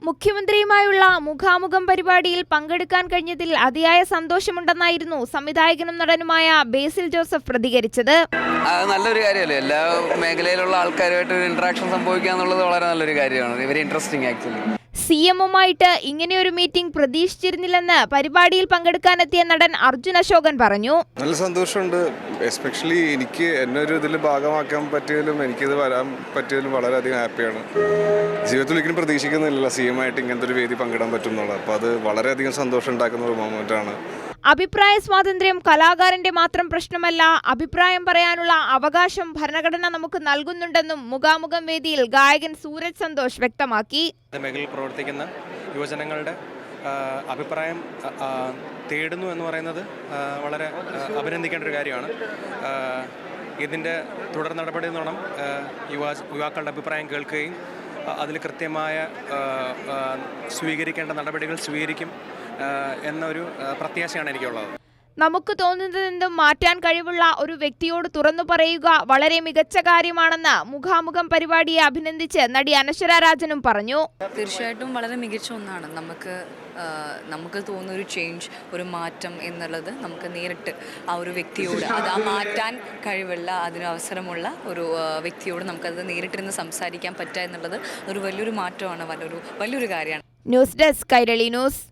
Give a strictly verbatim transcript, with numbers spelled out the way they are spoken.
മുഖ്യമന്ത്രിയുമായുള്ള മുഖാമുഖം പരിപാടിയിൽ പങ്കെടുക്കാൻ കഴിഞ്ഞതിൽ അതിയായ സന്തോഷമുണ്ടെന്നായിരുന്നു സംവിധായകനും നടനുമായ ബേസിൽ ജോസഫ് പ്രതികരിച്ചത്. അത് നല്ലൊരു കാര്യമല്ലേ, എല്ലാ മേഖലയിലുള്ള ആൾക്കാരുമായിട്ട് ഒരു ഇന്ററാക്ഷൻ സംഭവിക്കുക എന്നുള്ളത് വളരെ നല്ലൊരു കാര്യമാണ്. Very interesting actually. സി എമ്മുമായിട്ട് ഇങ്ങനെയൊരു മീറ്റിംഗ് പ്രതീക്ഷിച്ചിരുന്നില്ലെന്ന് പരിപാടിയിൽ പങ്കെടുക്കാനെത്തിയ നടൻ അർജുൻ അശോകൻ പറഞ്ഞു. നല്ല സന്തോഷമുണ്ട്. എസ്പെഷ്യലി എനിക്ക് എന്നെ ഒരു ഇതിൽ ഭാഗമാക്കാൻ പറ്റിയതിലും എനിക്കിത് വരാൻ പറ്റിയതിലും വളരെയധികം ഹാപ്പിയാണ്. ജീവിതത്തിൽ ഒരിക്കലും പ്രതീക്ഷിക്കുന്നില്ല സി എം ആയിട്ട് ഇങ്ങനത്തെ ഒരു വേദി പങ്കിടാൻ പറ്റും എന്നുള്ളത്. അപ്പോൾ അത് വളരെയധികം സന്തോഷം ഉണ്ടാക്കുന്ന ഒരു മൊമെന്റാണ്. അഭിപ്രായ സ്വാതന്ത്ര്യം കലാകാരന്റെ മാത്രം പ്രശ്നമല്ല, അഭിപ്രായം പറയാനുള്ള അവകാശം ഭരണഘടന നമുക്ക് നൽകുന്നുണ്ടെന്നും മുഖാമുഖം വേദിയിൽ ഗായകൻ സൂരജ് സന്തോഷ് വ്യക്തമാക്കി. മേഖലയിൽ പ്രവർത്തിക്കുന്ന യുവജനങ്ങളുടെ അഭിപ്രായം തേടുന്നു എന്ന് പറയുന്നത് വളരെ അഭിനന്ദിക്കേണ്ട ഒരു കാര്യമാണ്. ഇതിൻ്റെ തുടർ നടപടി എന്ന് വേണം യുവാ യുവാക്കളുടെ അഭിപ്രായം കേൾക്കുകയും അതിൽ കൃത്യമായ സ്വീകരിക്കേണ്ട നടപടികൾ സ്വീകരിക്കും എന്നൊരു പ്രത്യാശയാണ് എനിക്കുള്ളത്. നമുക്ക് തോന്നുന്നതെന്തും മാറ്റാൻ കഴിവുള്ള ഒരു വ്യക്തിയോട് തുറന്നു പറയുക വളരെ മികച്ച കാര്യമാണെന്ന് മുഖാമുഖം പരിപാടിയെ അഭിനന്ദിച്ച് നടി അനശ്വര രാജനും പറഞ്ഞു. തീർച്ചയായിട്ടും വളരെ മികച്ച ഒന്നാണ്. നമുക്ക് നമുക്ക് തോന്നുന്ന ഒരു ചേഞ്ച്, ഒരു മാറ്റം എന്നുള്ളത് നമുക്ക് നേരിട്ട് ആ ഒരു വ്യക്തിയോട്, അത് ആ മാറ്റാൻ കഴിവുള്ള, അതിന് അവസരമുള്ള ഒരു വ്യക്തിയോട് നമുക്കത് നേരിട്ടിരുന്ന് സംസാരിക്കാൻ പറ്റുക എന്നുള്ളത് ഒരു വലിയൊരു മാറ്റമാണ്, വലിയൊരു വലിയൊരു കാര്യമാണ്. News desk Kairali news.